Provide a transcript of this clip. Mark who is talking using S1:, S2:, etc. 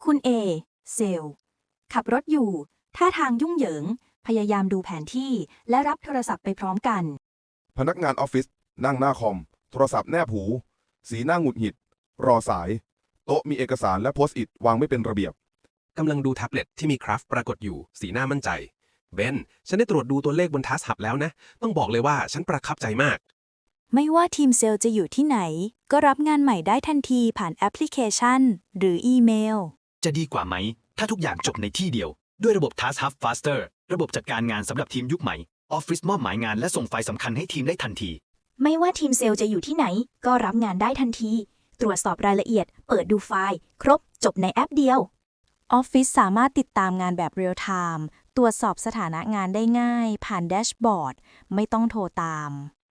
S1: คุณเอเซลล์ขับรถอยู่ท่าทางยุ่งเหยิงพยายามดูแผนที่และรับโทรศัพท์ไปพร้อมกัน
S2: พนักงานออฟฟิศนั่งหน้าคอมโทรศัพท์แนบหูสีหน้าหงุดหงิดรอสายโต๊ะมีเอกสารและโพสต์อิทวางไม่เป็นระเบียบ
S3: กำลังดูแท็บเล็ตที่มีคราฟปรากฏอยู่สีหน้ามั่นใจเบนฉันได้ตรวจดูตัวเลขบนทัสหับแล้วนะต้องบอกเลยว่าฉันประทับใจมาก
S4: ไม่ว่าทีมเซลล์จะอยู่ที่ไหนก็รับงานใหม่ได้ทันทีผ่านแอปพลิเคชันหรืออีเมล
S5: จะดีกว่าไหมถ้าทุกอย่างจบในที่เดียวด้วยระบบ Task Hub Faster ระบบจัดการงานสำหรับทีมยุคใหม่ออฟฟิศมอบหมายงานและส่งไฟล์สำคัญให้ทีมได้ทันที
S1: ไม่ว่าทีมเซลล์จะอยู่ที่ไหนก็รับงานได้ทันทีตรวจสอบรายละเอียดเปิดดูไฟล์ครบจบในแอปเดียว
S4: ออฟฟิศสามารถติดตามงานแบบเรียลไทม์ตรวจสอบสถานะงานได้ง่ายผ่านแดชบอร์ดไม่ต้องโทรตาม